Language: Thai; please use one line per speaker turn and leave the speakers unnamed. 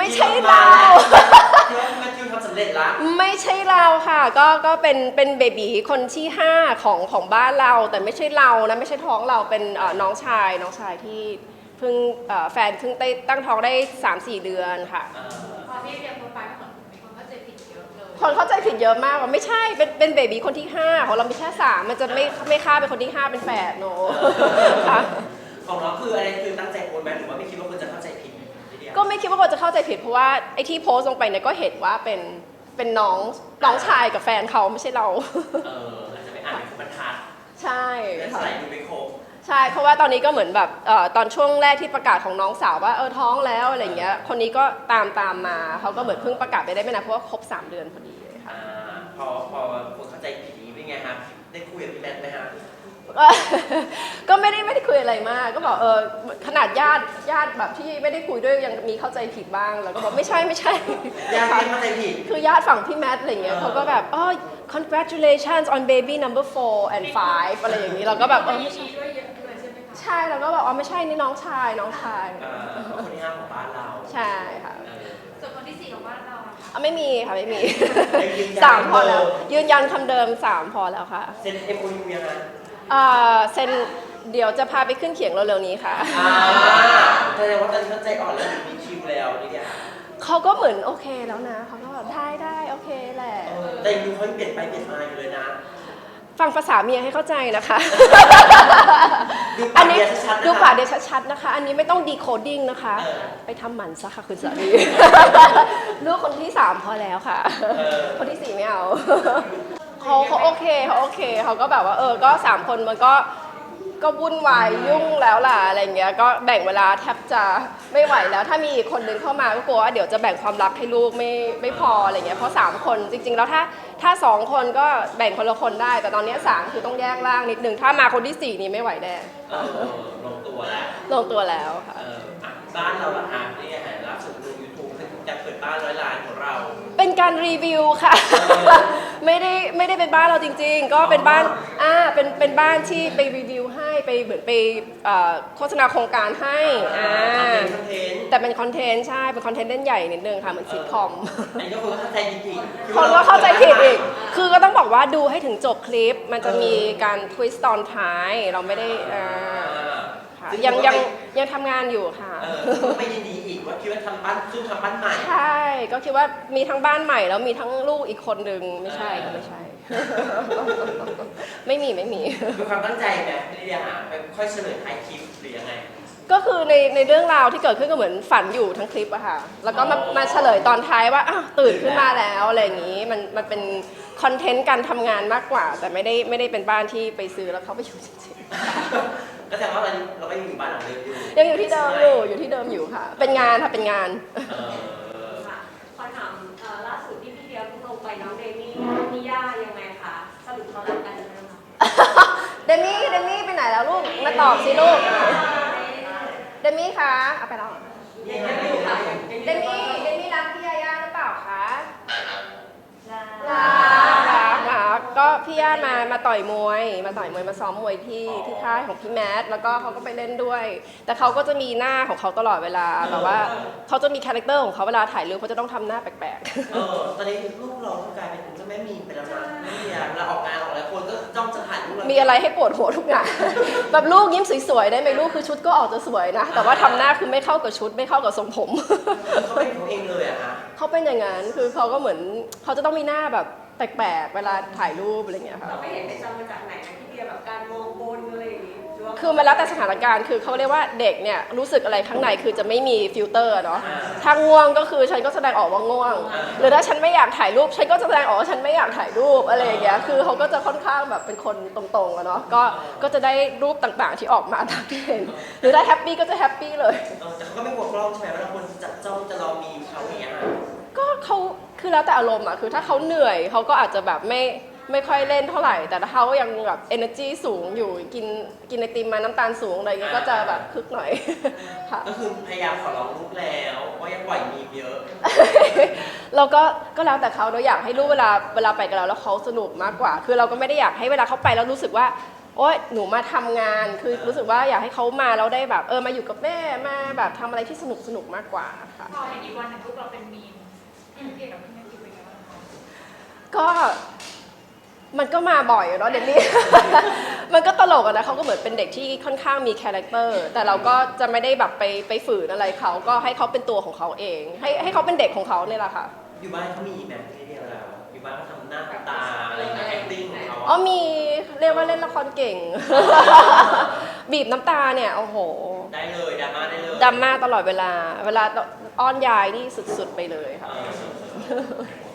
ไม่ใช่เรา
คิดว่าแมทธิวทำสำเร็จละ
ไม่ใช่เราค่ะก็เป็นเบบีคนที่5ของบ้านเราแต่ไม่ใช่เรานะไม่ใช่ท้องเราเป็นน้องชายที่เพิ่งแฟนเพิ่งตั้งท้องได้ 3-4 เดือนค่ะ
พอพี่เรียนโปรไฟล์ก็เหมือนมีคนเข้าใจผิดเยอะเลย
คนเข้าใจผิดเยอะมากว่าไม่ใช่เป็นเบบีคนที่5ของเรามีแค่3มันจะไม่ฆ่าเป็นคนที่5เป็นแฝดโนค่ะ
ของเราคืออะไรคือตั้งใจโอนไหมหรือว่าไม่คิดว่าคนจะเข้าใจผิด
ก็ไม่คิดว่าคนจะเข้าใจผิดเพราะว่าไอ้ที่โพสต์ลงไปเนี่ยก็เห็นว่าเป็นน้องชายกับแฟนเขาไม่ใช่เรา
อาจจะไปอ่านเป็นบรรทัด
ใช่
และใส่ดูไม่ครบ
ใช่เพราะว่าตอนนี้ก็เหมือนแบบตอนช่วงแรกที่ประกาศของน้องสาวว่าท้องแล้วอะไรเงี้ยคนนี้ก็ตามมาเขาก็เหมือนเพิ่งประกาศไปได้ไม่นานเพราะว่าครบ3 เดือนพอดีเลยค่ะ
พอคนเข้าใจผิดนี้เป็นไงครับได้คุยกับพี่แมทไหมฮะ
ก็ไม่ได้คุยอะไรมากก็บอกขนาดญาติแบบที่ไม่ได้คุยด้วยยังมีเข้าใจผิดบ้างแล้วก็บอกไม่ใช่
ญาติเข้าใจผิด
คือญาติฝั่งพี่แมทอะไรเงี้ยเขาก็แบบcongratulations on baby number 4 and 5อะไรอย่างนี้เราก็แบบ
ไม่ใช่ด้วยเยอะเลยใช่ไหมคะ
ใช่เราก็บอกไม่ใช่นี่น้องชาย
คนที่5ของบ้านเรา
ใช่ค่ะ
ส่วนคนที่4ของบ้านเรา
ไม่มีค่ะไม่มี3พอแล้วยืนยันคำเดิม3พอแล้วค่ะ
เซ็น MOU ยังไง
เซ็นเดี๋ยวจะพาไปขึ้นเขียงเร็วๆนี้ค่ะ
แสดงว่าตอนนี้เขาใจอ่อนแล้วมีคิวแล้วนี่เนี่ย
เขาก็เหมือนโอเคแล้วนะเขาก็แบบได้โอเคแหละ
แต่ดูเขาเปลี่ยนไปเปลี่ยนมาอยู่เลยนะ
ฟังภาษาเมียให้เข้าใจนะคะ
อันนี้
ดูปากเดียวชัดๆนะคะอันนี้ไม่ต้องดีโคดิ้งนะคะไปทำหมันซะค่ะคุณสามีลูกคนที่3พอแล้วค่ะคนที่4ไม่เอาเขาโอเคเขาก็แบบว่าก็3คนมันก็วุ่นวายยุ่งแล้วล่ะอะไรเงี้ยก็แบ่งเวลาแทบจะไม่ไหวแล้วถ้ามีอีกคนนึงเข้ามาก็กลัวว่าเดี๋ยวจะแบ่งความรักให้ลูกไม่พออะไรเงี้ยเพราะ3คนจริงๆแล้วถ้า2คนก็แบ่งคนละคนได้แต่ตอนนี้3คือต้องแยกร่างนิดนึงถ้ามาคนที่4นี่ไม่ไหวแน่
ลงตัวแล้ว
ค่ะ
บ้านเราล่ะฮะนี่ไงล่าสุดดู YouTube จะเปิดบ้าน100 ล้านของเรา
เป็นการรีวิวค่ะไม่ได้เป็นบ้านเราจริงๆก็เป็นบ้านเป็นบ้านที่ไปรีวิวให้ไปเหมือนไปโฆษณาโครงการให้แต่เป็นคอนเทนต์ใช่เป็นคอนเทนต์เล่นใหญ่นิดนึงค่ะเหมือนซิทคอม
อันนี้ก็คนเข้าใจผิด
คนก็เข้าใจผิดอีกคือก็ต้องบอกว่าดูให้ถึงจบคลิปมันจะมีการทวิสต์ตอนท้ายเราไม่ได้ยังทำงานอยู่ค่ะ
ไม่ยินดีอีกว่าคิดว่าทำบ้านใหม่
ใช่ก็คิดว่ามีทั้งบ้านใหม่แล้วมีทั้งลูกอีกคนนึงไม่ใช่ไม่มี
มีความตั้งใจไหมพี่ลิเดียหาไปค่อยเฉลยท้ายคลิปหรือยังไง
ก็คือในเรื่องราวที่เกิดขึ้นก็เหมือนฝันอยู่ทั้งคลิปอะค่ะแล้วก็มาเฉลยตอนท้ายว่าตื่นขึ้นมาแล้วอะไรอย่างนี้มันเป็นคอนเทนต์การทำงานมากกว่าแต่ไม่ได้เป็นบ้านที่ไปซื้อแล้วเขาไปอยู่จริง
ก็แสดงว่าเราก็ยังอยู่บ้านหลังเดิมอยู่
ยังอยู่ที่เดิมอยู่ที่เดิมอยู่ค่ะเป็นงานค่ะเป็นงาน
ค่ะขอถามล่าสุดที่พี่เดียเพิ่งลงไปน้องเดมี่มีย่ายังไงคะสรุปเขารักกันหรือยังคะ
เดมี่ไปไหนแล้วลูกมาตอบสิลูกเดมี่คะเอาไปแล้วเดมี่รักพี่ย่าหรือเปล่าคะรักก็พี่ย่ามาต่อยมวยมาซ้อมมวยที่ค่ายของพี่แมทแล้วก็เขาก็ไปเล่นด้วยแต่เขาก็จะมีหน้าของเขาตลอดเวลาแบบว่าเขาจะมีคาแรคเตอร์ของเขาเวลาถ่ายรูปเขาจะต้องทำหน้าแปลก
ๆตอนนี้ลูกเรากลายเป็นเจ้าแม่มีไปแล้วนะไม่มีเราออกงานออกอะไรคนก็จ้องจะถ่ายรูป
มีอะไรให้ปวดหัวทุกอย่างแบบลูกยิ้มสวยๆได้ไหมลูกคือชุดก็ออกจะสวยนะแต่ว่าทำหน้าคือไม่เข้ากับชุดไม่เข้ากับทรงผม
เขาเป็นเขาเองเลยอะคะ
เขาเป็นอย่างนั้นคือเขาก็เหมือนเขาจะต้องมีหน้าแบบแปลกๆเวลาถ่ายรูปอะไรเงี้ยค่ะ
เราไม่เห็นไปจำมาจากไหนนะที่เดียแบบการมองบนอะไรอย่างงี้
คือมันแล้วแต่สถานการณ์คือเขาเรียกว่าเด็กเนี่ยรู้สึกอะไรข้างในคือจะไม่มีฟิลเตอร์เนาะถ้าง่วงก็คือฉันก็แสดงออกว่าง่วงหรือถ้าฉันไม่อยากถ่ายรูปฉันก็แสดงออกว่าฉันไม่อยากถ่ายรูปอะไรอย่างเงี้ยคือเขาก็จะค่อนข้างแบบเป็นคนตรงๆอะเนาะก็จะได้รูปต่างๆที่ออกมาตามที่เห็นหรือถ้าแฮปปี้ก็จะแฮปปี้เลย
แต่เขาก็ไม่กลัวกล้องใช่ไหมเวลาคนจับจ้องจะรอมีเขาอย่างเงี้ย
ก็เขาคือแล้วแต่อารมณ์อะคือถ้าเขาเหนื่อยเขาก็อาจจะแบบไม่ค่อยเล่นเท่าไหร่แต่ถ้าเขายังแบบ energy สูงอยู่กินไอติมมาน้ำตาลสูงอะไรเงี้ยก็จะแบบคึกหน่อย
ค่ะก็คือพยายามขอร้องลูกแล้วว่ายังปล่อยมีเยอะ
เราก็แล้วแต่เขาเราอยากให้ลูกเวลาไปกับเราแล้วเขาสนุกมากกว่าคือเราก็ไม่ได้อยากให้เวลาเขาไปแล้วรู้สึกว่าโอ๊ยหนูมาทำงานคือรู้สึกว่าอยากให้เขามาแล้วได้แบบมาอยู่กับแม่มาแบบทำอะไรที่สนุกมากกว่าค่ะ
พอเห็นอีกวันหนึ่งพวกเราเป็นมีมเกี่ยวกับพี่แมทธิวเป็นไงบ้างคะ
ก็มันก็มาบ่อยเนาะเดนนี่ มันก็ตลกอะนะเขาก็เหมือนเป็นเด็กที่ค่อนข้างมีคาแรคเตอร์แต่เราก็จะไม่ได้แบบไปฝืนอะไรเขาก็ให้เขาเป็นตัวของเขาเอง ให้เขาเป็นเด็กของเขาเนี่ยแหละค่ะ
อยู่บ้านเขามีแบบที่เดียวแล้วอยู่บ้านเขาทำหน้าตาอะไรอย่างเงี้ย acting ของเขา
อ๋อมีเรียกว่าเล่นละครเก่ง บีบน้ำตาเนี่ยโอ้โห
ได้เลยดราม่าได้เลย
ดราม่าตลอดเวลาอ้อนยายนี่สุดๆไปเลยค่ะ
เออ